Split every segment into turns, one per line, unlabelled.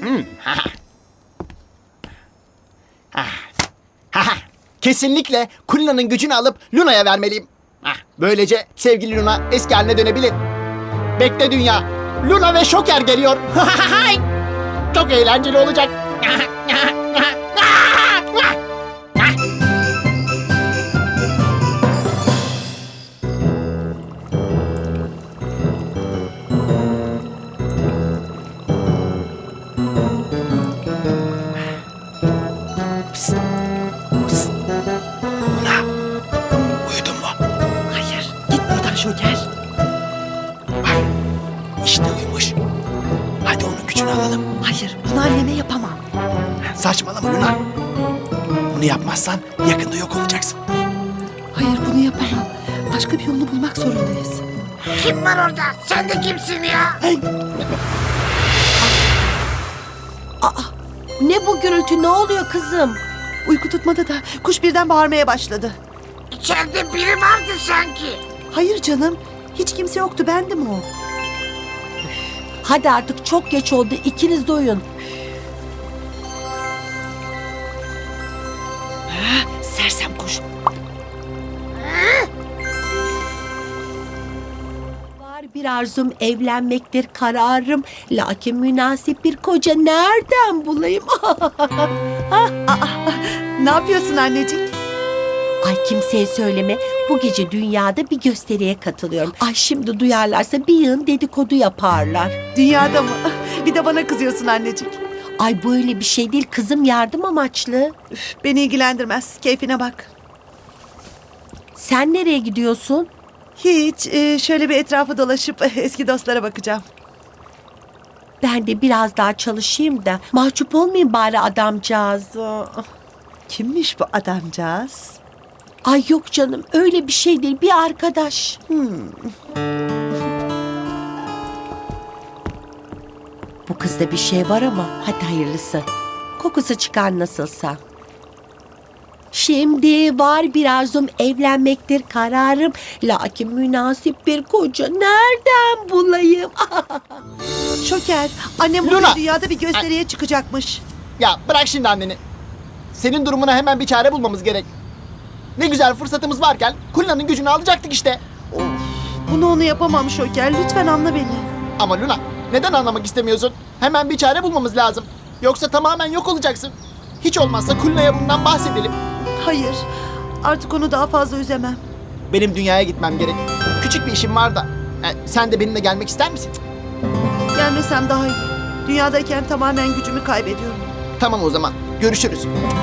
Kesinlikle Kulina'nın gücünü alıp Luna'ya vermeliyim. Böylece sevgili Luna eski haline dönebilir. Bekle dünya. Luna ve Şoker geliyor. Çok eğlenceli olacak.
Şoker.
İşte uyumuş. Hadi onun gücünü alalım.
Hayır, bunu anneme yapamam.
Saçmalama Luna. Bunu yapmazsan yakında yok olacaksın.
Hayır, bunu yapamam. Başka bir yolunu bulmak zorundayız.
Kim var orada? Sen de kimsin ya?
Ne bu gürültü, ne oluyor kızım?
Uyku tutmadı da kuş birden bağırmaya başladı.
İçeride biri vardı sanki.
Hayır canım, hiç kimse yoktu, bendim o.
Hadi artık çok geç oldu, ikiniz de uyun.
Sersem kuş.
Var bir arzum, evlenmektir kararım. Lakin münasip bir koca nereden bulayım?
Ne yapıyorsun annecik?
Ay kimseye söyleme, bu gece dünyada bir gösteriye katılıyorum. Ay şimdi duyarlarsa bir yığın dedikodu yaparlar.
Dünyada mı? Bir de bana kızıyorsun annecik.
Ay böyle bir şey değil kızım, yardım amaçlı.
Üf, beni ilgilendirmez, keyfine bak.
Sen nereye gidiyorsun?
Hiç, şöyle bir etrafı dolaşıp eski dostlara bakacağım.
Ben de biraz daha çalışayım da mahcup olmayayım bari adamcağız.
Kimmiş bu adamcağız?
Ay yok canım, öyle bir şey değil, bir arkadaş. Bu kızda bir şey var ama hadi hayırlısı. Kokusu çıkar nasılsa. Şimdi var bir arzum, evlenmektir kararım. Lakin münasip bir koca nereden bulayım?
Şoker, annem
Luna!
bugün dünyada bir gösteriye çıkacakmış.
Ya bırak şimdi anneni. Senin durumuna hemen bir çare bulmamız gerek. Ne güzel fırsatımız varken Kulina'nın gücünü alacaktık işte.
Bunu onu yapamam Şoker, lütfen anla beni.
Ama Luna, neden anlamak istemiyorsun? Hemen bir çare bulmamız lazım. Yoksa tamamen yok olacaksın. Hiç olmazsa Kulina'ya bundan bahsedelim.
Hayır, artık onu daha fazla üzemem.
Benim dünyaya gitmem gerek. Küçük bir işim var da. Sen de benimle gelmek ister misin?
Gelmesem daha iyi. Dünyadayken tamamen gücümü kaybediyorum.
Tamam o zaman. Görüşürüz.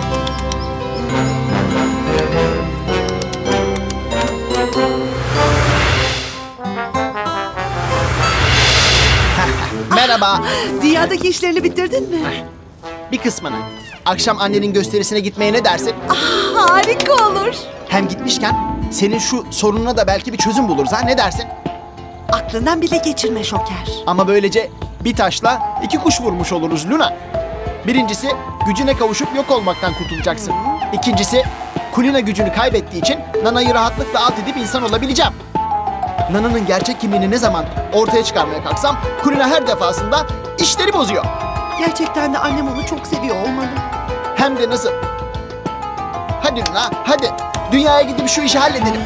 Merhaba.
Dünyadaki işlerini bitirdin mi?
Bir kısmını. Akşam annenin gösterisine gitmeye ne dersin?
Harika olur.
Hem gitmişken senin şu sorununa da belki bir çözüm buluruz ha, ne dersin?
Aklından bile geçirme Şoker.
Ama böylece bir taşla iki kuş vurmuş oluruz Luna. Birincisi gücüne kavuşup yok olmaktan kurtulacaksın. İkincisi Kulina gücünü kaybettiği için Nana'yı rahatlıkla alt edip insan olabileceğim. Nana'nın gerçek kimliğini ne zaman ortaya çıkarmaya kalksam Kulina her defasında işleri bozuyor.
Gerçekten de annem onu çok seviyor olmalı.
Hem de nasıl? Hadi Luna, hadi. Dünyaya gidip şu işi halledelim.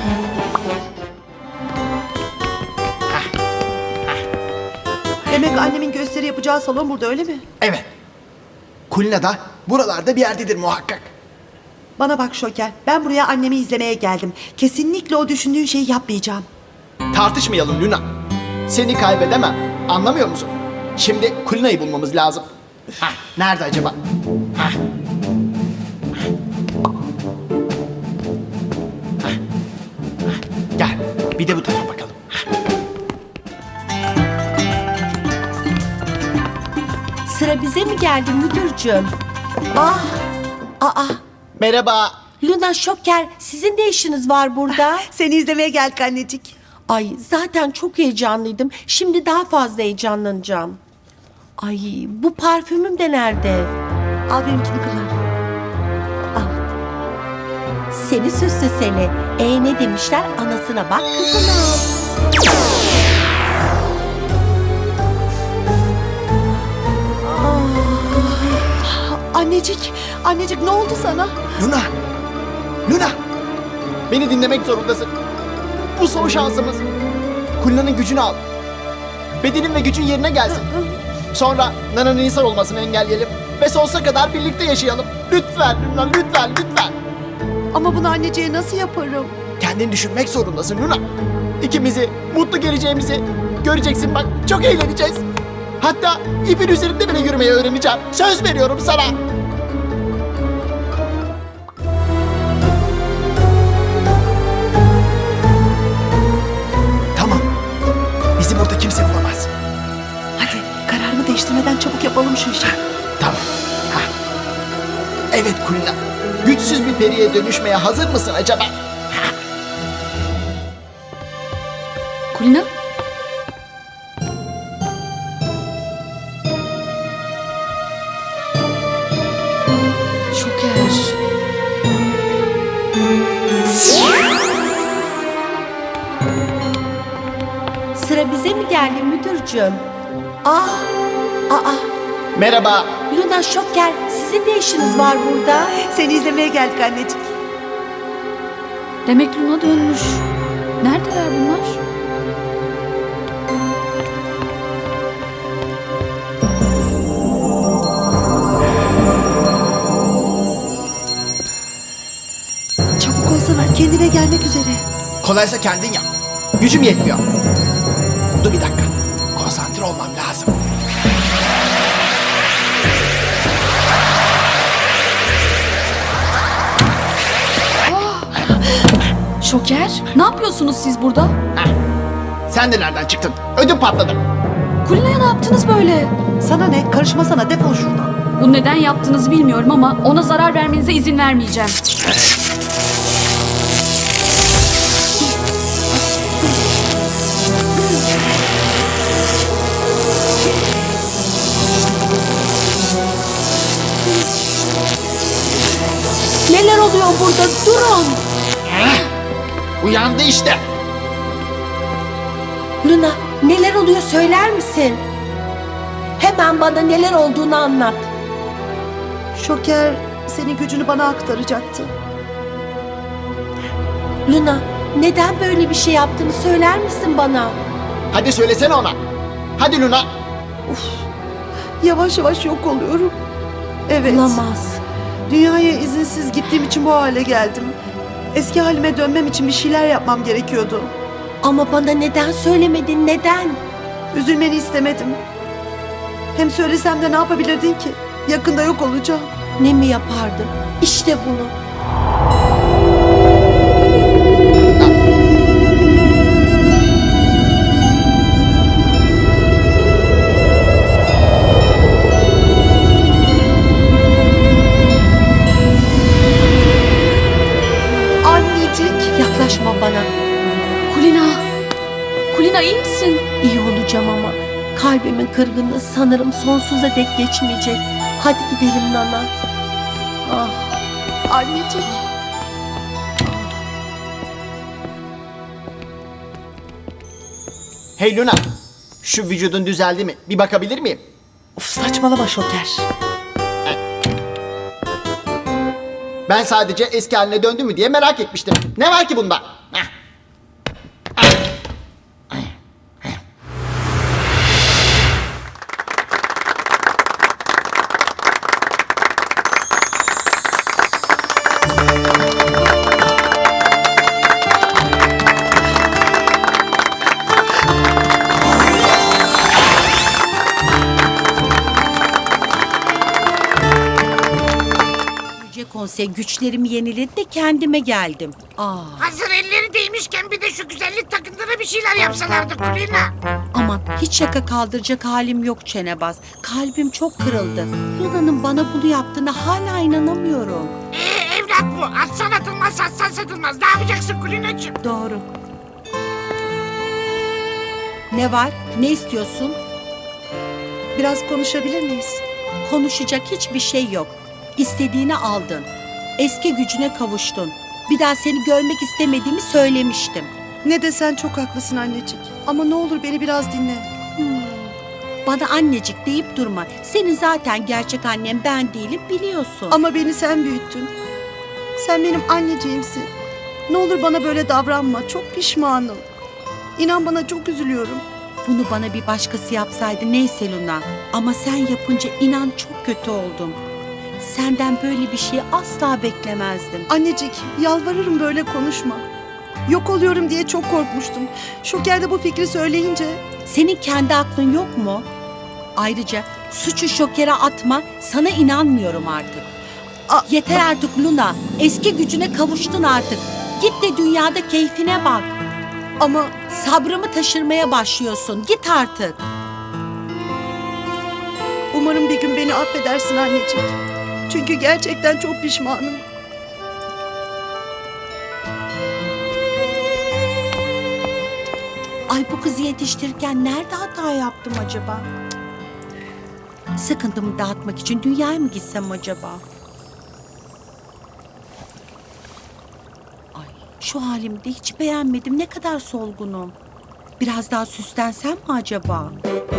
Demek annemin gösteri yapacağı salon burada, öyle mi?
Evet. Kulina da buralarda bir yerdedir muhakkak.
Bana bak Şoker, ben buraya annemi izlemeye geldim. Kesinlikle o düşündüğün şeyi yapmayacağım.
Tartışmayalım Luna. Seni kaybedemem. Anlamıyor musun? Şimdi Kulina'yı bulmamız lazım. Nerede acaba? Gel. Bir de bu tarafa bakalım.
Sıra bize mi geldi müdürcüğüm?
Ah,
Aa,
Merhaba.
Luna, Şoker, sizin de işiniz var burada.
seni izlemeye geldik annecik.
Ay zaten çok heyecanlıydım. Şimdi daha fazla heyecanlanacağım. Ay bu parfümüm de nerede?
Al benimkini kullan.
Seni süslü seni. Ne demişler? Anasına bak kızına. Ah.
Annecik ne oldu sana?
Luna! Luna! Beni dinlemek zorundasın. Bu son şansımız. Kulina'nın gücünü al. Bedenin ve gücün yerine gelsin. Sonra Nana'nın insan olmasını engelleyelim. Ve sonsuza kadar birlikte yaşayalım. Lütfen Luna, lütfen.
Ama bunu anneciğe nasıl yaparım?
Kendini düşünmek zorundasın Luna. İkimizi, mutlu geleceğimizi göreceksin bak. Çok eğleneceğiz. Hatta ipin üzerinde bile yürümeyi öğreneceğim. Söz veriyorum sana. Tamam. Bizi burada kimse bulamaz.
Hadi kararını değiştirmeden çabuk yapalım şu işi.
Tamam. Ha. Evet Kulina. Güçsüz bir periye dönüşmeye hazır mısın acaba?
Kulina? Şoker.
Sıra bize mi geldi müdürcüğüm? Aa.
Merhaba.
Luna, Şoker, sizin ne işiniz var burada?
Seni izlemeye geldik annecik.
Demek Luna dönmüş. Neredeler bunlar?
Çabuk olsana, kendine gelmek üzere.
Kolaysa kendin yap. Gücüm yetmiyor. Dur bir dakika. Konsantre olmam lazım.
Şoker, ne yapıyorsunuz siz burada?
Sen de nereden çıktın? Ödüm patladı.
Kulina'ya ne yaptınız böyle?
Sana ne? Karışmasana, defol şuradan.
Bunu neden yaptığınızı bilmiyorum ama ona zarar vermenize izin vermeyeceğim.
Neler oluyor burada? Durun!
Uyandı işte.
Luna, neler oluyor söyler misin? Hemen bana neler olduğunu anlat.
Şoker senin gücünü bana aktaracaktı.
Luna, neden böyle bir şey yaptığını söyler misin bana?
Hadi söylesene ona. Hadi Luna.
Yavaş yavaş yok oluyorum. Evet.
Olamaz.
Dünyaya izinsiz gittiğim için bu hale geldim. Eski halime dönmem için bir şeyler yapmam gerekiyordu.
Ama bana neden söylemedin, neden?
Üzülmeni istemedim. Hem söylesem de ne yapabilirdin ki? Yakında yok olacağım.
Ne mi yapardım? İşte bunu.
Annecik.
Yaklaşma bana.
Kulina! Kulina iyi misin?
İyi olacağım ama kalbimin kırgınlığı sanırım sonsuza dek geçmeyecek. Hadi gidelim Nana. Ah.
Annecik.
Hey Luna. Şu vücudun düzeldi mi? Bir bakabilir miyim?
Of, saçmalama Şoker.
Ben sadece eski haline döndü mü diye merak etmiştim. Ne var ki bunda? Heh.
Yüce Konsey güçlerimi yeniledi de kendime geldim.
Hazır elleri değmişken bir de şu güzellik takıntıra bir şeyler yapsalardı Kulina.
Aman hiç şaka kaldıracak halim yok çenebaz. Kalbim çok kırıldı. Luna'nın bana bunu yaptığına hala inanamıyorum.
Evlat bu. Atsan atılmaz, satsan satılmaz. Ne yapacaksın Kulinacığım?
Doğru. Ne var? Ne istiyorsun?
Biraz konuşabilir miyiz?
Konuşacak hiçbir şey yok. İstediğini aldın. Eski gücüne kavuştun. Bir daha seni görmek istemediğimi söylemiştim.
Ne desen çok haklısın annecik. Ama ne olur beni biraz dinle.
Bana annecik deyip durma. Senin zaten gerçek annem ben değilim biliyorsun.
Ama beni sen büyüttün. Sen benim anneciğimsin. Ne olur bana böyle davranma. Çok pişmanım. İnan bana çok üzülüyorum.
Bunu bana bir başkası yapsaydı neyse Luna. Ama sen yapınca inan çok kötü oldum. Senden böyle bir şeyi asla beklemezdim.
Annecik, yalvarırım böyle konuşma. Yok oluyorum diye çok korkmuştum. Şoker de bu fikri söyleyince...
Senin kendi aklın yok mu? Ayrıca suçu Şoker'e atma, sana inanmıyorum artık. Yeter artık Luna, eski gücüne kavuştun artık. Git de dünyada keyfine bak.
Ama
Sabrımı taşırmaya başlıyorsun, git artık.
umarım bir gün beni affedersin annecik. Çünkü gerçekten çok pişmanım.
Ay bu kızı yetiştirirken nerede hata yaptım acaba? Sıkıntımı dağıtmak için dünyaya mı gitsem acaba? Ay şu halimi de hiç beğenmedim. Ne kadar solgunum. Biraz daha süslensem mi acaba?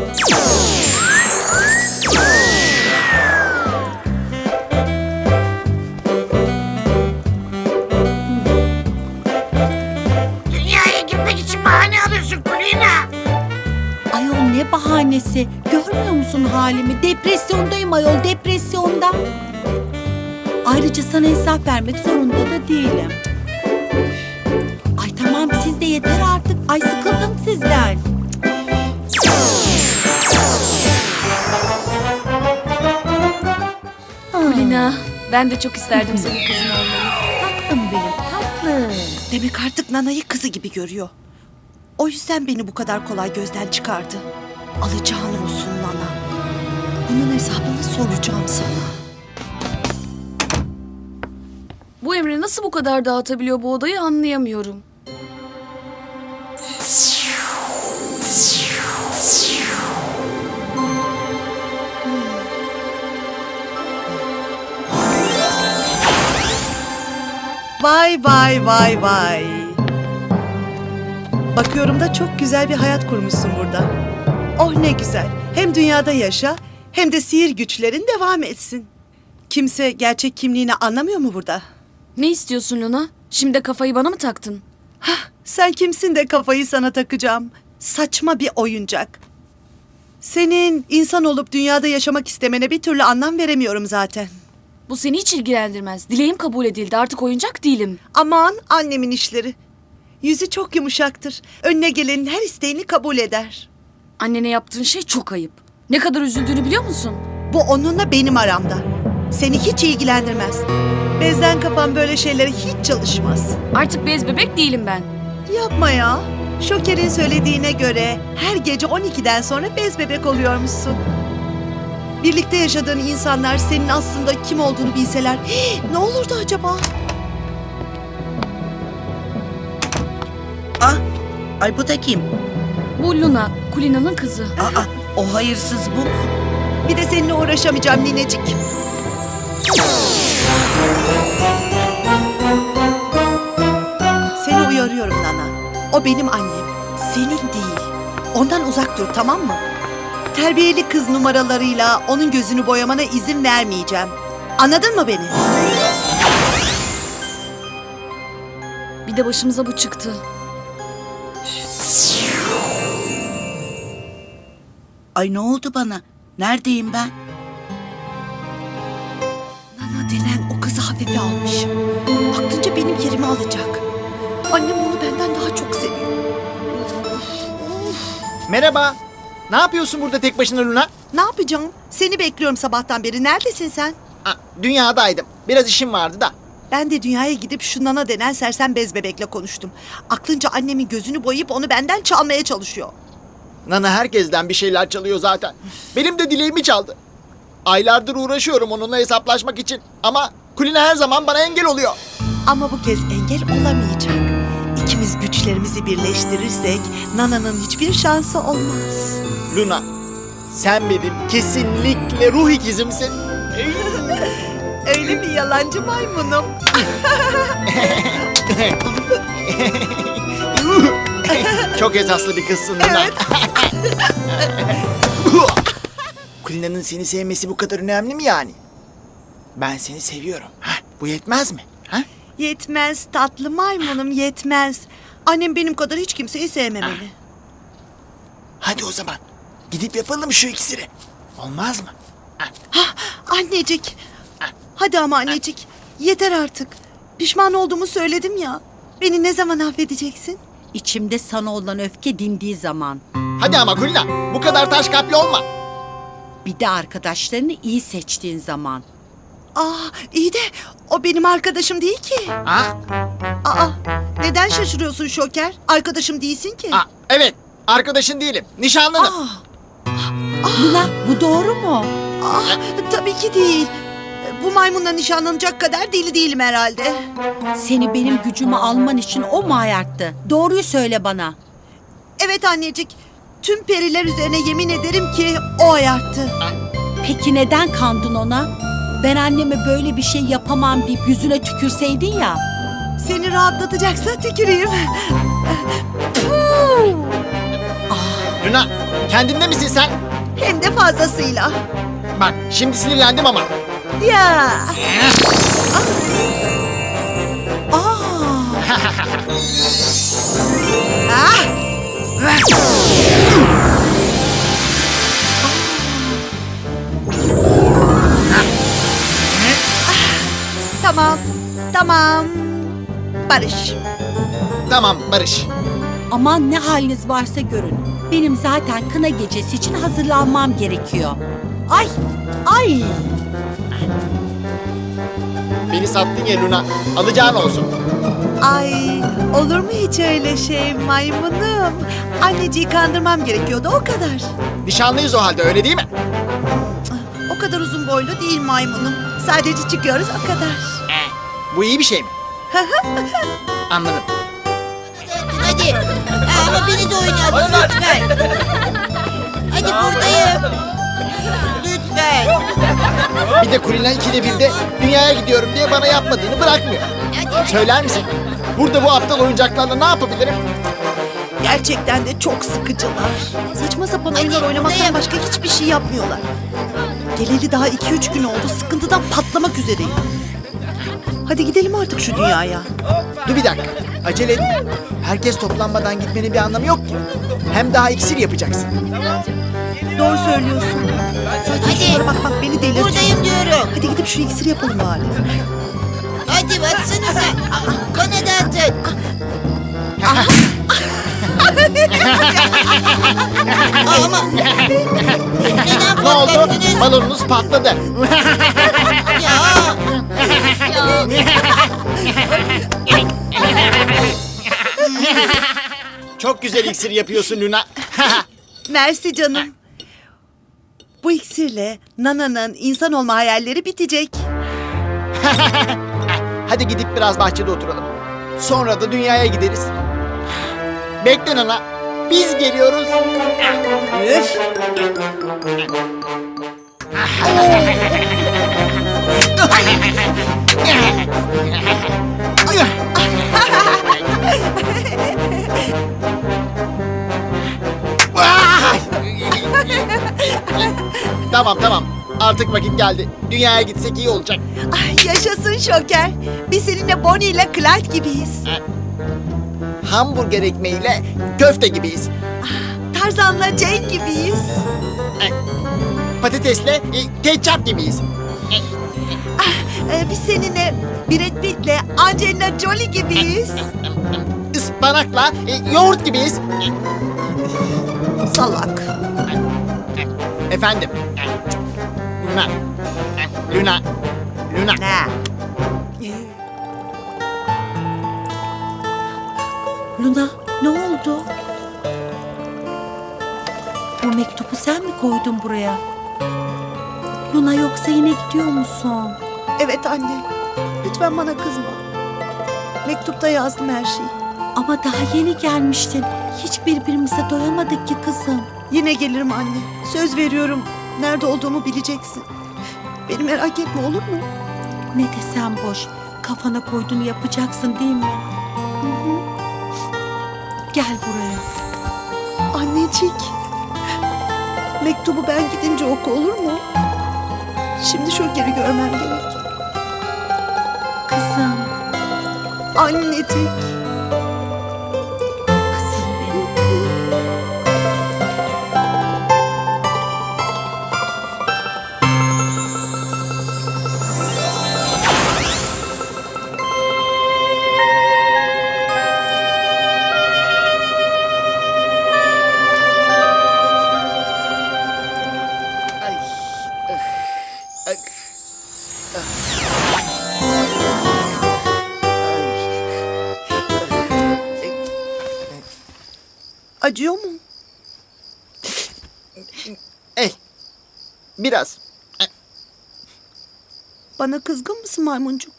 Dünyaya gitmek için bahane alıyorsun Kulina.
Ayol ne bahanesi. Görmüyor musun halimi? Depresyondayım ayol, depresyonda. Ayrıca sana hesap vermek zorunda da değilim. Ay tamam siz de yeter artık. Ay sıkıldım sizden.
Kulina, ben de çok isterdim senin kızın olmayı.
Tatlım benim, tatlım.
Demek artık Nana'yı kızı gibi görüyor. O yüzden beni bu kadar kolay gözden çıkardı. Alacağın olsun Nana. Bunun hesabını soracağım sana.
Bu Emre nasıl bu kadar dağıtabiliyor bu odayı anlayamıyorum.
Vay vay vay vay. Bakıyorum da çok güzel bir hayat kurmuşsun burada. Oh ne güzel. Hem dünyada yaşa hem de sihir güçlerin devam etsin. Kimse gerçek kimliğini anlamıyor mu burada?
Ne istiyorsun Luna? Şimdi de kafayı bana mı taktın?
Sen kimsin de kafayı sana takacağım? Saçma bir oyuncak. Senin insan olup dünyada yaşamak istemene bir türlü anlam veremiyorum zaten.
Bu seni hiç ilgilendirmez. Dileğim kabul edildi. Artık oyuncak değilim.
Aman annemin işleri. Yüzü çok yumuşaktır. Önüne gelenin her isteğini kabul eder.
Annene yaptığın şey çok ayıp. Ne kadar üzüldüğünü biliyor musun?
Bu onunla benim aramda. Seni hiç ilgilendirmez. Bezden kafan böyle şeylere hiç çalışmaz.
Artık bez bebek değilim ben.
Yapma ya. Şoker'in söylediğine göre her gece 12'den sonra bez bebek oluyormuşsun. Birlikte yaşadığın insanlar senin aslında kim olduğunu bilseler ne olurdu acaba?
Ah, ay bu da kim?
Bu Luna, Kulina'nın kızı.
Aa, o hayırsız bu mu?
Bir de seninle uğraşamayacağım ninecik. Seni uyarıyorum Nana. O benim annem. Senin değil. Ondan uzak dur tamam mı? Terbiyeli kız numaralarıyla onun gözünü boyamana izin vermeyeceğim. Anladın mı beni?
Bir de başımıza bu çıktı.
Ay ne oldu bana? Neredeyim ben?
Nana denen o kızı hafife almış. Aklınca benim yerimi alacak. Annem onu benden daha çok seviyor.
Merhaba. Ne yapıyorsun burada tek başına Luna?
Ne yapacağım? Seni bekliyorum sabahtan beri. Neredesin sen?
Dünyadaydım. Biraz işim vardı da.
Ben de dünyaya gidip şu Nana denen sersem bez bebekle konuştum. Aklınca annemin gözünü boyayıp onu benden çalmaya çalışıyor.
Nana herkesten bir şeyler çalıyor zaten. Benim de dileğimi çaldı. Aylardır uğraşıyorum onunla hesaplaşmak için. Ama Kulina her zaman bana engel oluyor.
Ama bu kez engel olamayacak. İkimiz güçlerimizi birleştirirsek Nana'nın hiçbir şansı olmaz.
Luna, sen benim kesinlikle ruh ikizimsin.
Öyle bir yalancı maymunum.
Çok esaslı bir kızsın Luna.
Evet.
Kulina'nın seni sevmesi bu kadar önemli mi yani? Ben seni seviyorum. Hah, bu yetmez mi? Ha?
Yetmez tatlı maymunum, yetmez. Annem benim kadar hiç kimseyi sevmemeli.
Hadi o zaman gidip yapalım şu iksiri. Olmaz mı?
Annecik. Hadi ama annecik. Yeter artık. Pişman olduğumu söyledim ya. Beni ne zaman affedeceksin?
İçimde sana olan öfke dindiği zaman.
Hadi ama Kulina, bu kadar taş kalpli olma.
Bir de arkadaşlarını iyi seçtiğin zaman.
İyi de o benim arkadaşım değil ki.
Ha?
Neden şaşırıyorsun Şoker? Arkadaşım değilsin ki.
Evet, arkadaşın değilim, nişanlınım.
Luna, bu doğru mu?
Tabii ki değil. Bu maymunla nişanlanacak kadar deli değilim herhalde.
Seni benim gücümü alman için o mu ayarttı? Doğruyu söyle bana.
Evet annecik. Tüm periler üzerine yemin ederim ki o ayarttı.
Peki neden kandın ona? Ben anneme böyle bir şey yapamam deyip yüzüne tükürseydin ya.
Seni rahatlatacaksa tüküreyim.
Luna, kendinde misin sen?
Hem de fazlasıyla.
Bak, şimdi sinirlendim ama.
Ya. Tamam. Barış.
Tamam, Barış.
Aman ne haliniz varsa görün. Benim zaten kına gecesi için hazırlanmam gerekiyor. Ay!
Beni sattın ya Luna, alacağın olsun.
Ay, olur mu hiç öyle şey maymunum? Anneciği kandırmam gerekiyordu o kadar.
Nişanlıyız o halde, öyle değil mi?
O kadar uzun boylu değil maymunum. Sadece çıkıyoruz o kadar.
Bu iyi bir şey mi? Anladım.
Hadi. Ama beni de oynayalım lütfen. Hadi buradayım. Lütfen.
Bir de Kulina 2'de 1'de dünyaya gidiyorum diye bana yapmadığını bırakmıyor. Söyler misin? Burada bu aptal oyuncaklarla ne yapabilirim?
Gerçekten de çok sıkıcılar. Saçma sapan oyunlar oynamaktan başka hiçbir şey yapmıyorlar. Geleli daha 2-3 gün oldu. Sıkıntıdan patlamak üzereyim. Hadi gidelim artık şu dünyaya.
Dur bir dakika. Acele etme. Herkes toplanmadan gitmenin bir anlamı yok ki. Hem daha iksir yapacaksın.
Doğru söylüyorsun. Zaten
Hadi.
şunlara bak beni delirtiyor.
Buradayım diyorum.
Hadi gidip şu iksiri yapalım bari.
Hadi atsanıza. Bana da atın. Ama neden
Ne oldu?
patlattınız?
Balonunuz patladı.
Ya.
Çok güzel iksir yapıyorsun Luna.
Mersi canım. Bu iksirle Nana'nın insan olma hayalleri bitecek.
Hadi gidip biraz bahçede oturalım. Sonra da dünyaya gideriz. Bekle Nana. Biz geliyoruz.
Üf.
Tamam. Artık vakit geldi. Dünyaya gitsek iyi olacak.
Ay, yaşasın Şoker. Biz seninle Bonnie ile Clyde gibiyiz.
Hamburger ekmeğiyle köfte gibiyiz.
Tarzan'la Jane gibiyiz.
Patatesle ketçap gibiyiz.
Biz seninle Brad Pitt'le Angelina Jolie gibiyiz.
Ispanakla yoğurt gibiyiz.
Salak.
Efendim. Luna.
Ne?
Luna, ne oldu? Bu mektubu sen mi koydun buraya? Luna, yoksa yine gidiyor musun?
Evet anne. Lütfen bana kızma. Mektupta yazdım her şeyi.
Ama daha yeni gelmiştin. Hiç birbirimize doyamadık ki kızım.
Yine gelirim anne. Söz veriyorum. Nerede olduğumu bileceksin. Beni merak etme olur mu?
Ne desem boş. Kafana koyduğunu yapacaksın değil mi? Hı hı. Gel buraya.
Annecik. Mektubu ben gidince oku, olur mu? Şimdi Şoker'i görmem gerek.
Kızım,
Annecik.
kızım benim.
Ay. Ay.
Acıyor mu?
Biraz.
Bana kızgın mısın maymuncuk?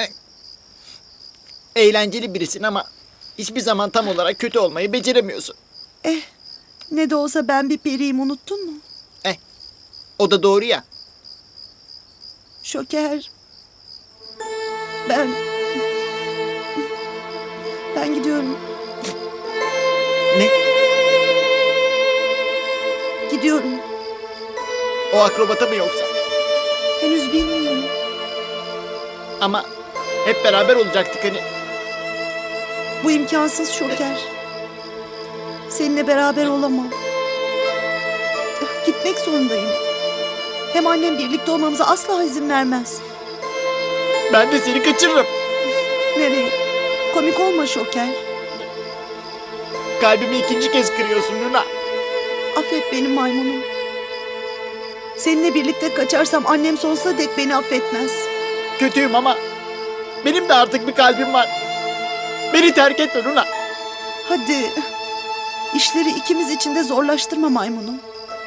Eğlenceli birisin ama hiçbir zaman tam olarak kötü olmayı beceremiyorsun.
Ne de olsa ben bir periyim, unuttun mu?
O da doğru ya.
Şoker. Ben gidiyorum.
Ne?
Gidiyorum.
O akrobata mı yoksa?
Henüz bilmiyorum.
Ama hep beraber olacaktık hani.
Bu imkansız Şoker. Seninle beraber olamam. Gitmek zorundayım. Hem annem birlikte olmamıza asla izin vermez.
Ben de seni kaçırırım.
Nereye? Komik olma Şoker.
Kalbimi ikinci kez kırıyorsun Luna.
Affet beni maymunum. Seninle birlikte kaçarsam annem sonsuza dek beni affetmez.
Kötüyüm ama benim de artık bir kalbim var. Beni terk etme Luna.
Hadi. İşleri ikimiz için de zorlaştırma maymunum.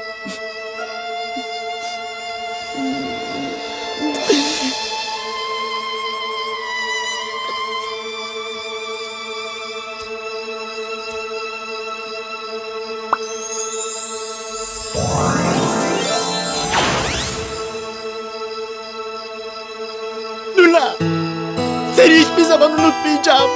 Luna. Seni hiçbir zaman unutmayacağım.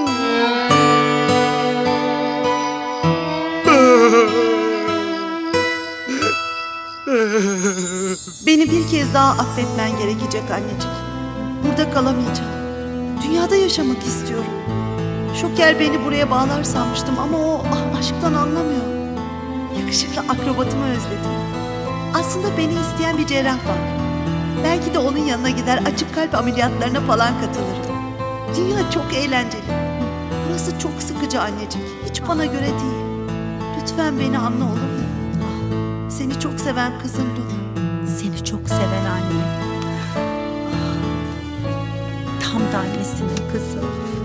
Beni bir kez daha affetmen gerekecek anneciğim. Burada kalamayacağım. Dünyada yaşamak istiyorum. Şoker beni buraya bağlar sanmıştım ama o aşktan anlamıyor. Yakışıklı akrobatımı özledim. Aslında beni isteyen bir cerrah var. Belki de onun yanına gider açık kalp ameliyatlarına falan katılırım. Dünya çok eğlenceli. Burası çok sıkıcı anneciğim. Hiç bana göre değil. Lütfen beni anla, olur mu? Seni çok seven kızım Luna.
Seni çok seven anne. Tam da annesinin kızı.